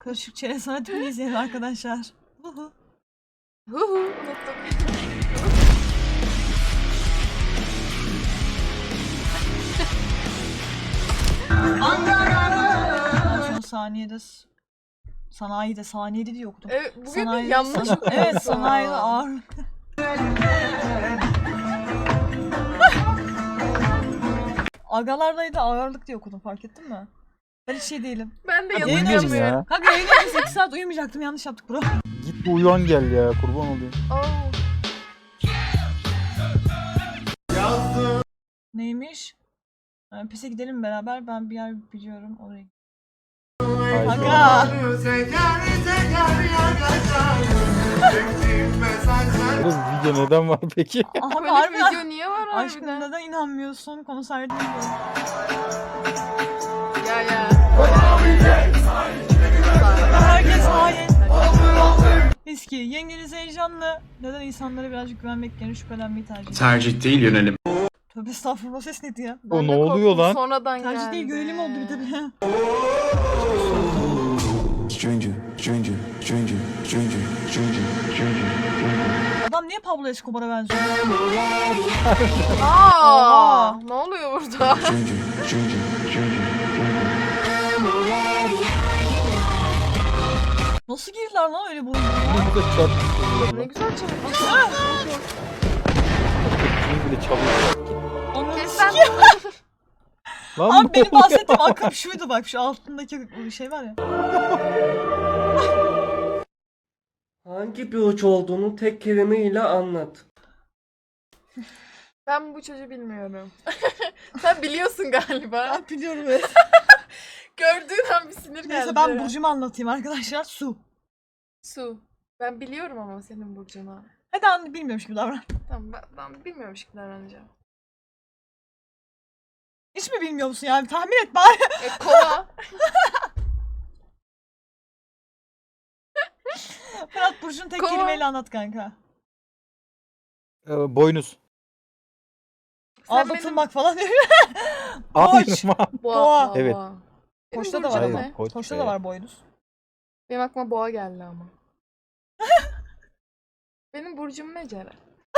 Karışık çerez sanatını izleyelim arkadaşlar. Huhu. Unuttum. Son saniyede sanayide saniyede diye okudum. Evet, bugün Sanayide, yanlış evet sanayide ağır. Agalardaydı ağırlık diye okudum, fark ettin mi? Ben hiç şey değilim. Ben de Hadi yanılmıyorum. yayın Uyumuyorum ya. Kanka yayın 8 saat uyumayacaktım, yanlış yaptık bro. Git bir uyan gel ya, kurban olayım. Oh. Neymiş? Pise gidelim beraber, ben bir yer biliyorum oraya. Haydi. Aga! Bu video neden var peki? Abi Böyle harbiden video niye var aşkım harbiden? neden inanmıyorsun? Konserde diyorum. Ya. Herkes hain. Eski yengeniz heyecanlı. Neden insanlara birazcık güvenmek yerine şüphelenmeyi tercih ediyor? Tercih değil yönelim. Tövbe estağfurullah, ses neydi ya? O Ben ne de oluyor korktum, lan? Sonradan Tercih geldi. değil, görelim oldu bir de bir. Stranger, stranger, stranger, stranger, stranger, stranger. Adam niye Pablo Escobar'a benziyor? Aa, ne oluyor burada? Stranger, stranger, stranger, stranger. Nasıl girdiler lan öyle bu? Bunu da çarpıştırıyorlar Ne lan. güzel çalışmış. Bunu bile çalıyor. Ananı Kes sikeyim. Lan Abi ne benim oluyor? bahsettiğim akım şuydu bak, şu altındaki şey var ya. Hangi bir uç olduğunu tek kelimeyle anlat. Ben bu çocuğu bilmiyorum. Sen biliyorsun galiba. Ben biliyorum evet. Gördüğün an bir sinir geldi. Neyse ben burcumu anlatayım arkadaşlar. Su. Su. Ben biliyorum ama senin burcunu. Hadi anne, bilmiyormuş gibi davran. Tamam, ben bilmiyormuş gibi davranacağım. Hiç mi bilmiyor musun yani? Tahmin et bari. Kova. Fırat burcunu tek Kova. kelimeyle anlat kanka. Boynuz. Sen Aldatılmak falan diyor. Hayır Koç. ma. benim... Boğa. Evet. Benim Koçta da burcum var Hayır, ama. ne? koç Koçta be. da var boynuz. Benim aklıma boğa geldi ama. Benim burcum ne Ceren?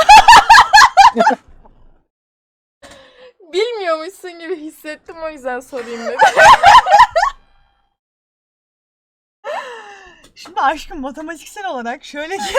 Bilmiyormuşsun gibi hissettim, o yüzden sorayım dedim. Şimdi aşkım matematiksel olarak şöyle ki.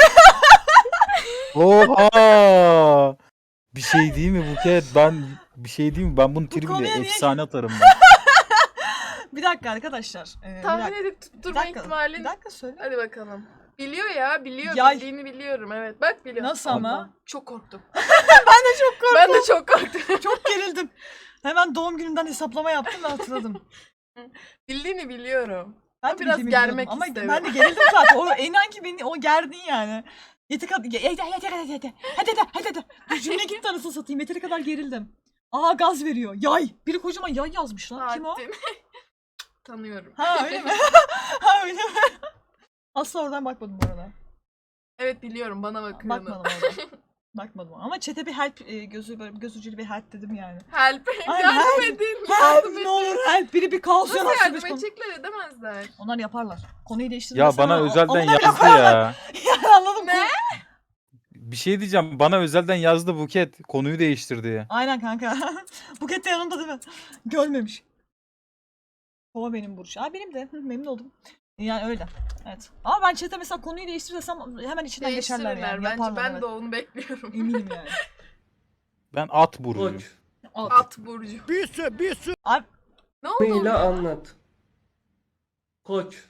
Oha! Bir şey değil mi Buket? Bir şey değil mi? Ben bunu konuya tribüne niye- efsane atarım ben. Bir dakika arkadaşlar. Bir Tahmin dakika. edip Bir tutturma dakika. ihtimalin... Bir dakika söyle. Hadi bakalım. Biliyor ya, biliyor. Yay. Bildiğini biliyorum, evet. Bak biliyor. Nasıl ama? Çok korktum. Ben Ben de çok korktum. çok gerildim. Hemen doğum günümden hesaplama yaptım ve hatırladım. Bildiğini biliyorum. Ben de Biraz bildiğimi germek biliyordum ama istedim. ben de gerildim zaten. O inan ki beni o gerdin yani. Yeteri kadar hadi. Bu cümle gitti anasını satayım. Yeteri kadar gerildim. Aa gaz veriyor. Yay. Biri kocaman yay yazmış lan. Kim o? Saattin. Tanıyorum. Ha öyle mi? Ha öyle mi? Asla oradan bakmadım bu arada. Evet biliyorum, bana bakıyorum. Bakmadım oradan. Bakmadım ama chat'e bir help gözü böyle göz ucuyla bir help dedim yani. Help. Ay, Yardım help. edin. Help Yardım ne edin. olur help. Biri bir kaos Nasıl yaratsın. yardım biz konu- edecekler, edemezler. Onlar yaparlar. Konuyu Ya değiştirmezler. bana ama özelden onunla bile yazdı koyarlar. ya. Yani anladım. Ne? Bir şey diyeceğim. Bana özelden yazdı Buket. Konuyu değiştir diye. Aynen kanka. Buket de yanımda değil mi? Görmemiş. Kova benim burç. Aa benim de. Memnun oldum. Yani öyle. Evet. Ama ben chat'e mesela konuyu değiştirsem hemen içinden geçerler Değiştirirler yani. bence. Yaparlar, Ben evet. de onu bekliyorum. Eminim yani. Ben at burcuyum. Koç. At burcu. Abi Ne oldu? Kelimeyle orada? anlat. Koç.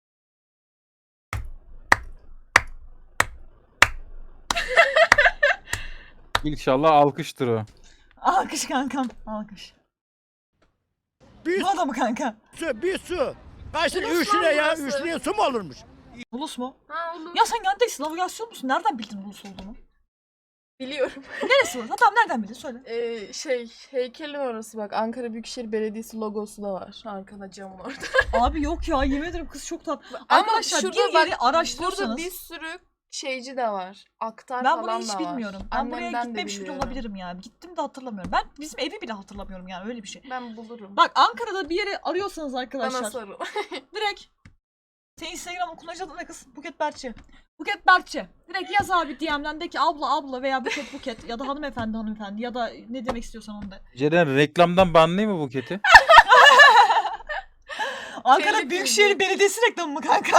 İnşallah alkıştır o. alkış kankam. Alkış. Bu adamı kanka. Bir su. Kaç lira? Ulus 3 lira ya. burası. 3 liraya su mu olurmuş? Ulus mu? Ha olur. Ya sen neredesin? Navigasyon musun? Nereden bildin ulus olduğunu? Biliyorum. Neresi burası? Tamam nereden bildin? Söyle. Heykelin orası bak. Ankara Büyükşehir Belediyesi logosu da var. Arkada camın orada. Abi yok ya, yemin ederim kız çok tatlı. Ama Arkadaşlar şurada bir bak, yeri araştırıyorsanız. Burada bir sürü şeyci de var. Aktar Ben falan burayı hiç da var. bilmiyorum. Ben buraya Annemden de gitmemiş bile biliyorum. olabilirim yani. Gittim de hatırlamıyorum. Ben bizim evi bile hatırlamıyorum yani, öyle bir şey. Ben bulurum. Bak Ankara'da bir yere arıyorsanız Bana arkadaşlar. sarıl. Direkt Senin Instagram'ın kullanıcı adın ne kız? Buket Berkçe. Buket Berkçe. Direkt yaz abi DM'den de ki abla veya Buket ya da hanımefendi ya da ne demek istiyorsan onu de. Ceren reklamdan banlayayım mı Buket'i? Ankara Telif Büyükşehir yedi. Belediyesi reklamı mı kanka?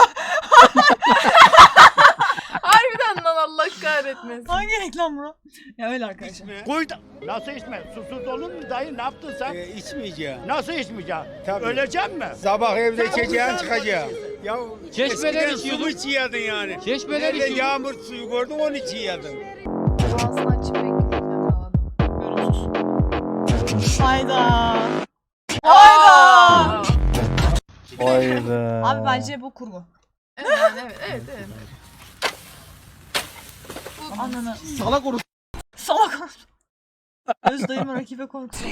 Harbiden lan Allah kahretmesin. Hangi reklam bu? Ya öyle arkadaşlar. Koy da. Nasıl içme? Susuz olur mu dayı? Ne yaptın sen? İçmeyeceğim. Nasıl içmeyeceksin? Tabii. Öleceksin mi? Sabah evde içeceğim çıkacağım. Ya Çeşmeler eskiden içiyordum. su içiyordun yani. Çeşmeler Nerede içiyordum. yağmur suyu gördün onu içiyordun. Ağzını açıp bekliyorum. Hayda. Aa! Hayda. Abi bence bu kurgu. Evet. Bu Ananı. Salak orası. Salak olsun. Öz dayımı rakibe korkusu.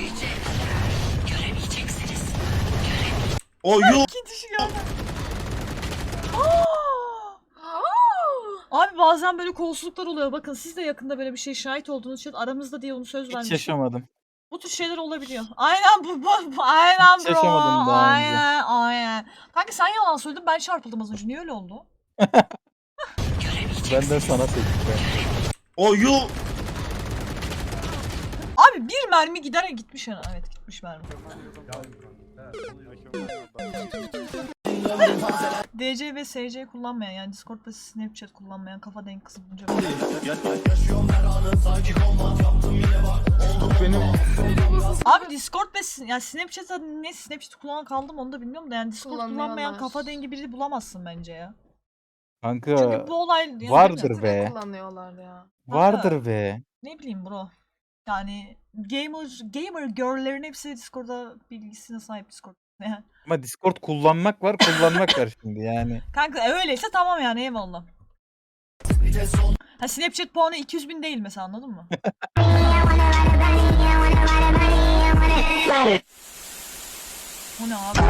O yok. İkinci şey geldi. Abi bazen böyle kolsuzluklar oluyor. Bakın siz de yakında böyle bir şey şahit olduğunuz için aramızda diye onu söz Hiç vermiştim. yaşamadım. Bu tür şeyler olabiliyor. Aynen aynen Hiç bro. yaşamadım daha önce. Aynen. Kanka sen yalan söyledin, ben çarpıldım az önce. Niye öyle oldu? Ben de sana sektim. O yok. Abi bir mermi gitmiş yani. Evet gitmiş mermi. DC ve SC kullanmayan yani Discord ve Snapchat kullanmayan kafa denk kızı bulunca Benim Abi Discord ve yani Snapchat'ta ne Snapchat kullanan kaldım onu da bilmiyorum da yani Discord kullanmayan Kullanıyorlar. kafa dengi biri bulamazsın bence ya. kanka Çünkü bu olay yani vardır be. kullanıyorlar ya. Vardır be. ne bileyim bro. Yani gamer girl'lerin hepsi Discord'da bilgisine sahip Discord. Yani. Ama Discord kullanmak var şimdi yani. Kanka öyleyse tamam yani eyvallah. Ha Snapchat puanı 200.000 değil mesela anladın mı? O ne abi?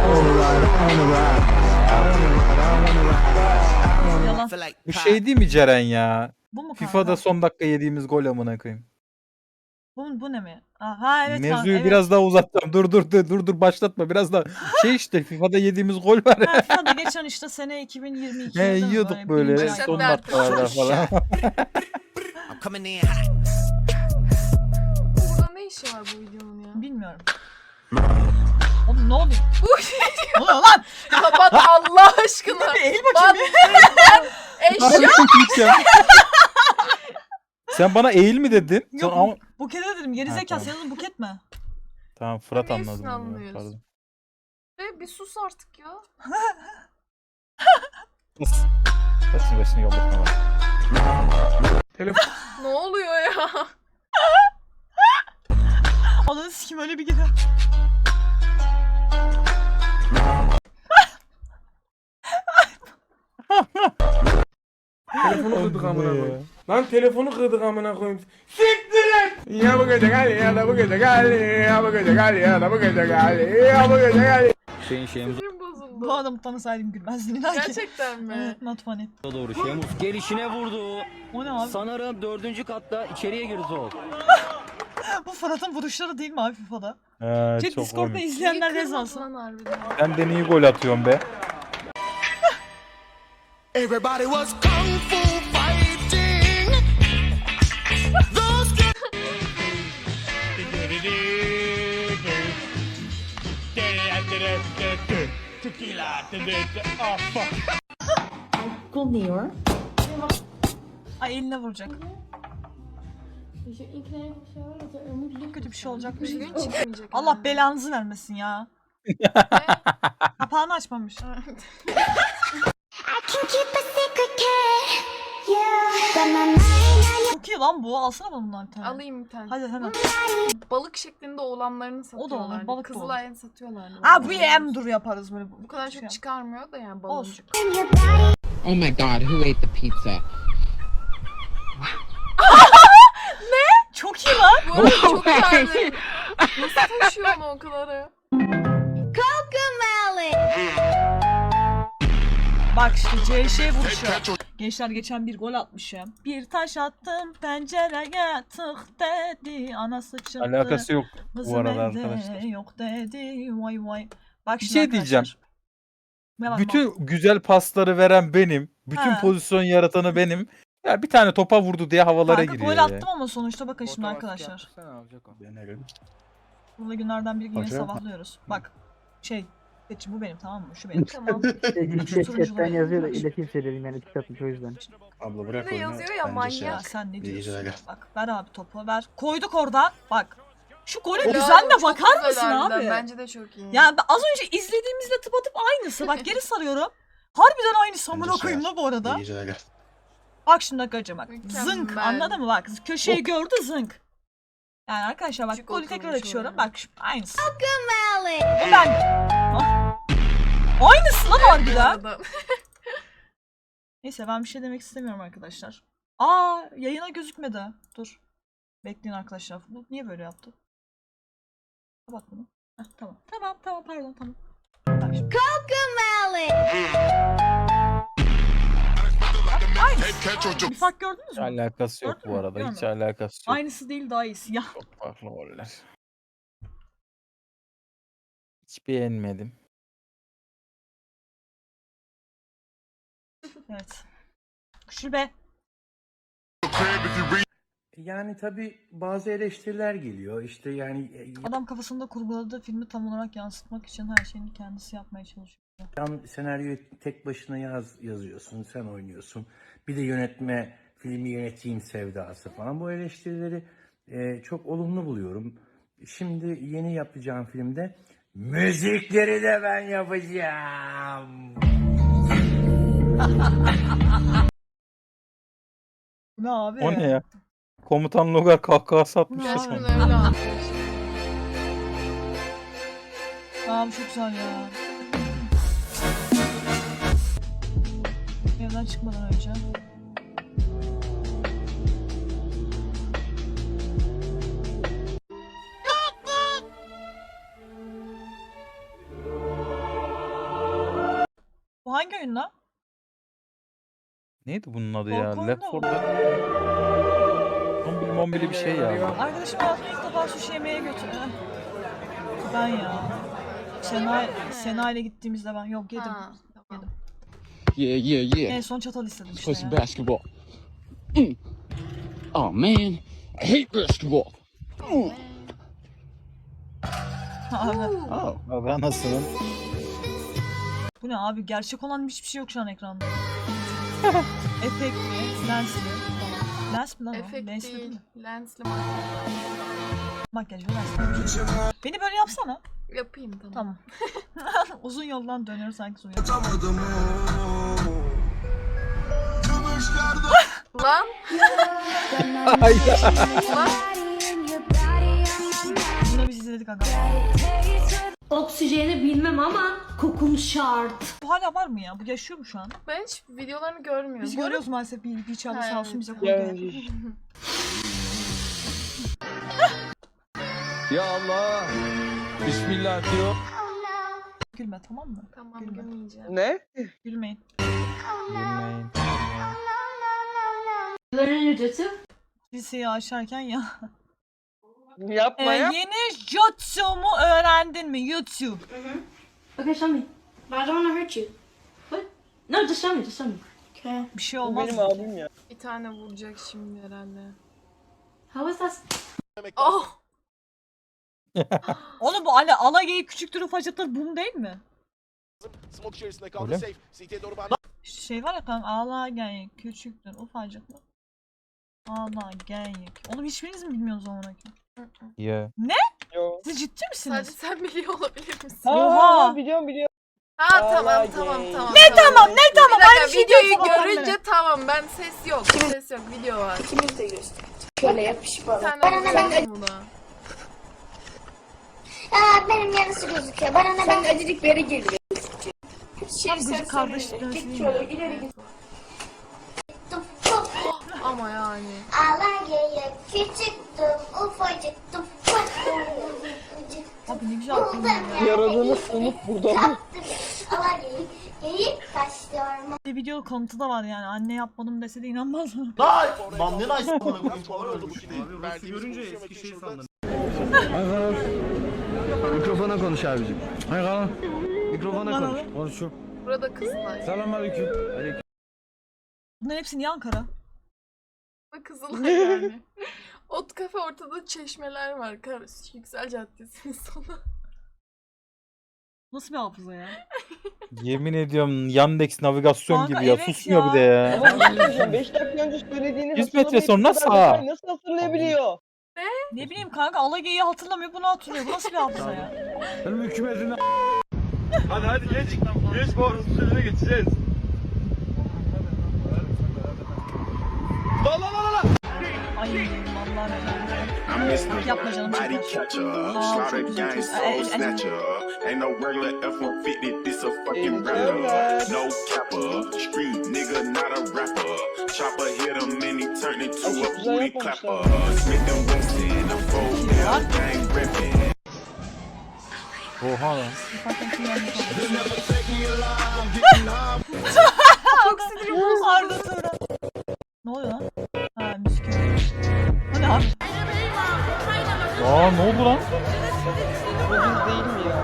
Yalan. Bu şey değil mi Ceren ya? Bu mu kanka? FIFA'da son dakika yediğimiz gol amına koyayım. Bu ne mi? Ha evet kanka. Mevzuyu Evet. biraz daha uzatacağım. Dur başlatma. Biraz daha şey işte FIFA'da yediğimiz gol var ya. Ha, FIFA'da geçen işte sene 2022'de He değil mi? yiyorduk Birinci böyle ay. son Başlat dakikalarda falan. Burada ne işi var bu videonun ya? Bilmiyorum. Oğlum ne oluyor? Ne oluyor lan? Kapat Allah aşkına. Eğil Bak bakayım. eşya. Sen bana eğil mi dedin? Yok Ama... Buket'e dedim gerizekalı tamam. senin adın Buket mi? Tamam Fırat Niye anladım. üstüne ya, alınıyoruz? pardon. Bir sus artık ya. Saçını başını yollatma bana. Ne oluyor ya? Ananı sikim öyle bir girer. Telefonu kırdık amına koyayım. Lan telefonu kırdık amına koyayım. Siktir et. Ya bu gece gel ya da bu gece gel ya bu gece gel ya da bu gece gel ya bu gece gel. Sinirim bozuldu. Bu adamı tanısaydım gülmezdin inan ki. Gerçekten mi? Evet not funny. Doğru Şemus gelişine vurdu. O ne abi? Sanırım 4. katta içeriye girdi o. Bu Fırat'ın vuruşları değil mi abi FIFA'da? Çok Discord'da komik. izleyenler Niye rez kırmadın alsın. lan harbiden? Sen de iyi gol atıyorsun be. Everybody was kung fu fighting. Those Ay eline vuracak. Kötü bir şey olacakmış. Bir gün çıkmayacak. Allah belanızı vermesin ya. Kapağını açmamış. Çok iyi lan bu. Alsana bana bundan bir tane. Alayım bir tane. Hadi hemen. Balık şeklinde oğlanlarını satıyorlar. balık da olur. Kızılay'ını satıyorlar. Aa bu yem dur yaparız böyle. Bu kadar şey. çok çıkarmıyor da yani Olsun. baloncuk. Oh my god, who ate the pizza? Çok iyi lan. Bu arada çok terli. Nasıl taşıyor onu o kadarı? Bak işte CŞ vuruşu. Gençler geçen bir gol atmış ya. Bir taş attım pencereye tık dedi. Anası çıktı. Alakası yok bu Kızım arada evde arkadaşlar. yok dedi. Vay vay. Bak Bir şimdi şey diyeceğim. arkadaşlar. Ne var, Bütün güzel pasları veren benim. Bütün Ha. pozisyon yaratanı benim. Ya bir tane topa vurdu diye havalara Kanka giriyor gol ya. attım ama sonuçta bakın şimdi arkadaşlar. Burada günlerden bir gün yine sabahlıyoruz. Bak seçim bu benim, tamam mı? Şu benim. Tamam. Chatten yazıyor da ileteyim dedim yani tik atmış o yüzden. Abla Bir bırak de oyunu. yazıyor ya Bence manyak. şey Ya yap. sen ne İyi diyorsun? geceler. Bak ver abi topu ver. Koyduk oradan. Bak. Şu golün Helal, düzenine çok bakar güzel mısın harbiden. abi? Bence de çok iyi. Ya ben az önce izlediğimizle tıpatıp aynısı. Bak geri sarıyorum. Harbiden aynısı amına koyayım la bu arada. İyi geceler. Bak şimdi arkadaşlar bak. Mükemmel. Zınk, anladın mı? Bak köşeyi gördü zınk. Yani arkadaşlar bak Küçük golü tekrar oturmuş açıyorum. oraya. Bak aynısı. Bu ben. Ah. Aynısı lan harbiden. Arada. Neyse ben bir şey demek istemiyorum arkadaşlar. Yayına gözükmedi. Dur. Bekleyin arkadaşlar. Bu niye böyle yaptı? Kapat bunu. Heh, tamam. Tamam pardon tamam. Bak şimdi. Aynısı. Bir fark gördünüz Hiç mü? alakası yok Gördün bu mü? arada. Hiç Görmedim. alakası yok. Aynısı değil daha iyisi. Ya. Çok farklı goller. Hiç beğenmedim. Evet. Şube. Yani tabii bazı eleştiriler geliyor. İşte yani Adam kafasında kurguladığı filmi tam olarak yansıtmak için her şeyini kendisi yapmaya çalışıyor. yan senaryoyu tek başına yazıyorsun, sen oynuyorsun. Bir de filmi yöneteyim sevdası falan. Bu eleştirileri çok olumlu buluyorum. Şimdi yeni yapacağım filmde müzikleri de ben yapacağım. Bu ne abi? O ne ya? Komutan Logar kahkahası Bu atmış ne ya abi? sonra. Gerçekten öyle anlatıyor. Abi çok güzel ya. Evden çıkmadan önce. Bu hangi oyun lan? Neydi bunun adı ya? Korku Left oyunu 4 Dead. Zombili bir şey ya. Arkadaşım hayatımda ilk defa sushi yemeğe götürdü. Ben ya. Sena ile gittiğimizde ben yok yedim. Ha, tamam. Yeah. En son çatal istedim işte Play some ya. basketball. Oh man, I hate basketball. Abi, Oh. Abi anasının. bu ne abi? Gerçek olan hiçbir şey yok şu an ekranda. Efektli, lensli falan. Lens mi lan o? Efekt Lensli değil. mi? Lensli Makyaj ve lensli. Beni böyle yapsana. yapayım tamam. Tamam. Uzun yoldan dönüyoruz sanki uzun yoldan. Lan Yine biz izledik aga. Oksijeni bilmem ama kokum şart. Bu hala var mı ya? Bu yaşıyor mu şu an? ben hiç videolarını görmüyorum. Biz Bu arada- görüyoruz maalesef bir çağda Ha, sağ olsun evet. bize koyuyor. Ya Allah. Bismillah diyor. Gülme tamam mı? Tamam Gülme. gülmeyeceğim. Ne? Gülmeyin. Gülmeyin. Bunların ücreti Liseyi aşarken ya. Yapma Yeni jutsu'mu öğrendin mi? Jutsu. Okay, show me. But I don't want to hurt you. What? No, just show me, just show me. Okay. Bir şey olmaz. ya. Bir tane vuracak şimdi herhalde. How is that? Oh! Oğlum bu ala geyik küçüktür ufacıktır bum değil mi? Öyle mi? Şey var ya kanka ala geyik küçüktür ufacıktır. Ala geyik. Oğlum hiçbiriniz mi bilmiyorsunuz o zaman? Ya. Siz ciddi Sadece misiniz? sen biliyor olabilir misin? Oha! Biliyorum. Ha tamam. Ne Bir tamam dakika, aynı şey videoyu diyorsun ama görünce tamam ben ses yok. Ses yok video var. İkimiz de göster. Şöyle yapış bana. Sen de buna. Benim yarısı gözüküyor. Bana ne ben acılık beri geliyor. Tam gıcık kardeşlik dönüşü değil mi? ileri git. Ama yani. Alageye küçüktüm, ufacıktım. Abi ne güzel film ya. Yaradığını sınıf burada mı? Alageye geyik taşlıyorum. Bir video konutu da var yani. Anne yapmadım dese de inanmaz mı? Lan ne nice bana Görünce eski şey sandım. Mikrofona konuş abicim. Mikrofona konuş. Konuşuyorum. Burada Kızılay. Selamünaleyküm. Bunların hepsi niye Ankara? Burada Kızılay yani. Ot kafe ortada çeşmeler var. Yüksel Caddesi'nin sonu. Nasıl bir hafıza ya? Yemin ediyorum Yandex navigasyon Kanka, gibi ya. evet Susmuyor ya. bir de ya. 5 dakika önce söylediğini 100 metre sonra sağ. nasıl hatırlayabiliyor? Ne bileyim kanka Alagey'i hatırlamıyor bunu hatırlıyor. Bu nasıl bir hafıza ya? Benim hükümetine... Hadi geç. Geç bu arası sürüne geçeceğiz. La la la la. Ay vallahi yapma canım çeker. Aa, çok güzel. Ain't no regular F-150, this a fucking rapper. No capper, street nigga, not a rapper. Chopper hit him and he turned into a booty clapper. Smith and Wesson, a full down gang ripping. Oha lan. Çok sinirim Arda Turan. Ne oluyor lan? Ha müzik. Bu ne abi? Aa ne oldu lan? Bu biz değil mi ya?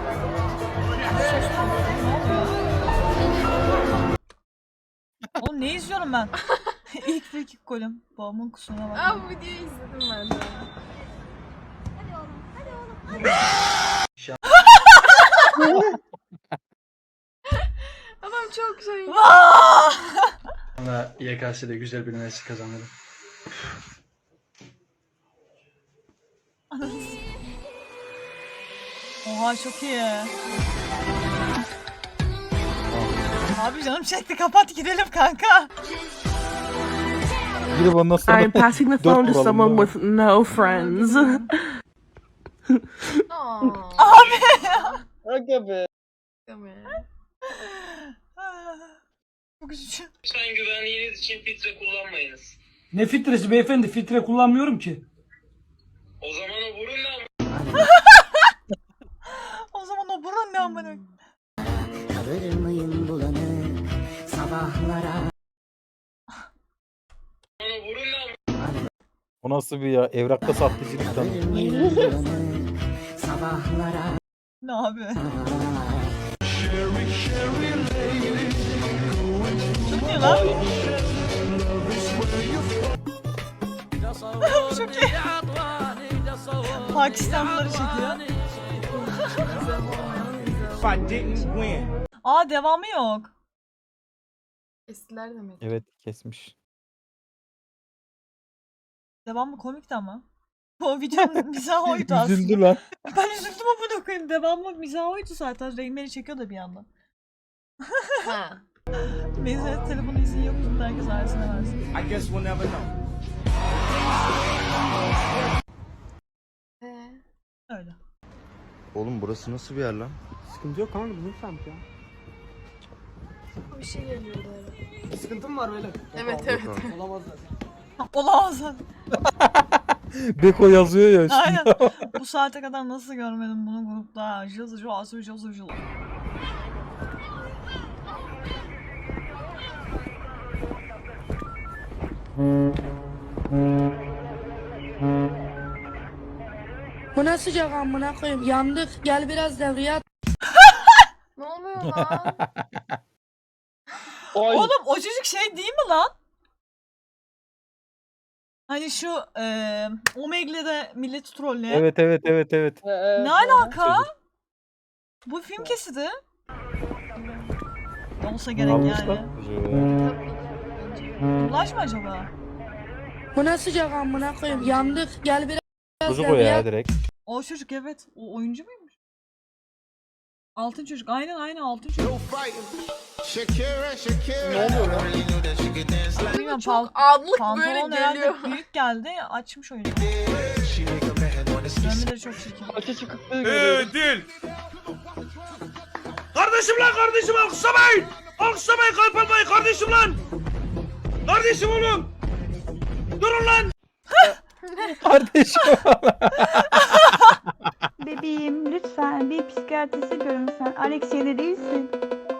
Oğlum ne izliyorum ben? İlk frikik golüm. Babamın kusuruna bak. Aa bu videoyu izledim ben de. Adam çok şey. Vaa! Sonra YKS'de güzel bir üniversite kazanırım. Oha çok iyi. Abi canım çekti kapat gidelim kanka. Girip ondan sonra I'm passing the phone to someone with no friends. Aa. Abi. Aga be. Çok üzücü. Lütfen güvenliğiniz için filtre kullanmayınız. Ne filtresi beyefendi? Filtre kullanmıyorum ki. O zaman o burun da O zaman o burun ne amına? o burun da o nasıl bir ya? Evrakta sahtecilikten. Ne abi? Çok iyi lan. Çok iyi. Pakistanlıları çekiyor. Aa devamı yok. Eskiler demek. Evet kesmiş. Devamı komikti ama. O videonun mizahı oydu aslında. Üzüldü lan. Ben üzüldüm amına koyayım. Devamı mizahı oydu zaten. Reynmen'i çekiyor da bir yandan. Ha. Neyse telefonu izin yok. Herkes ailesine versin. I guess we'll never know. Öyle. Oğlum burası nasıl bir yer lan? Sıkıntı yok kanka bizim semt ya. Bir şey geliyordu herhalde. Sıkıntım var böyle. Evet evet. Olamaz zaten. Olamaz. Beko yazıyor ya üstünde. Aynen. Bu saate kadar nasıl görmedim bunu grupta? Jıl. Bu ne sıcak amına koyayım. Yandık. Gel biraz devreye at. Ne oluyor lan? Oğlum o çocuk şey değil mi lan? Hani şu Omegle'de milleti trolleyen. Evet. Ne alaka? Bu film kesidi. Olsa gerek yani. Ulaş mı acaba? Bu ne sıcak amına koyayım. Yandık. Gel biraz Çocuk o devreye ya at. direkt. O çocuk evet. O oyuncu muymuş? Altın çocuk. Aynen altın çocuk. Bilmiyorum, Çok adlık böyle pantolon herhalde geliyor. büyük geldi. Açmış oyunu. Dönmeleri çok çirkin. Açı çıkıklığı görüyoruz. Değil. Kardeşim lan kardeşim alkışlamayın. Alkışlamayın kalp almayın kardeşim lan. Kardeşim oğlum. Durun lan. Kardeşim. Bebeğim lütfen bir psikiyatriste görün sen. Alex yedi değilsin.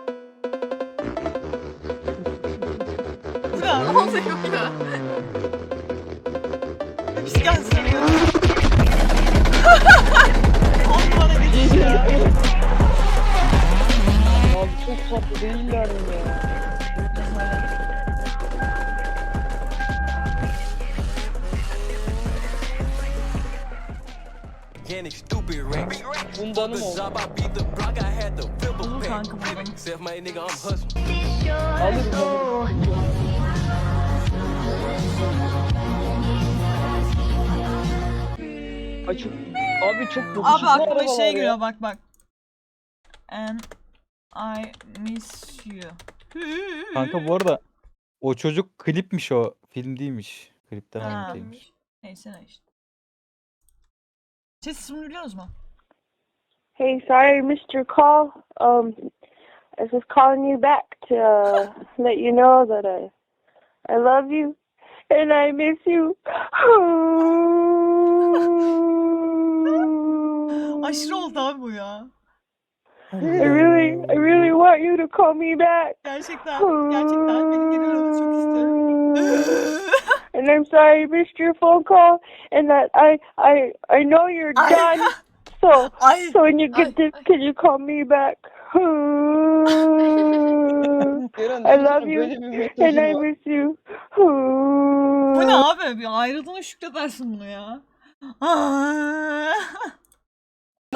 Bu ne? Ne oluyor ya? Psikiyatrist sanıyorum. On numara geçiş ya. çok tatlı değiller mi ya? Biraz öyle. Bundanım oldu. Olur kanka bundan. Alırım. Ay çok, abi çok Abi yakışıklı aklıma arabalar şey ya. geliyor bak. And I miss you. Kanka bu arada o çocuk klipmiş o. Film değilmiş. Klipten Ha. alıntıymış. Neyse ne işte. Ses ismini biliyorsunuz mu? Hey, sorry I missed your call. I was just calling you back to let you know that I love you and I miss you. Aşırı oldu abi bu ya. I really want you to call me back. Gerçekten beni geri alın çok istiyorum. And I'm sorry I missed your phone call and that I know you're done. So Ay. when you get this, can you call me back? I love you and I miss you. Bu ne abi? Bir ayrıldığına şükredersin bunu ya.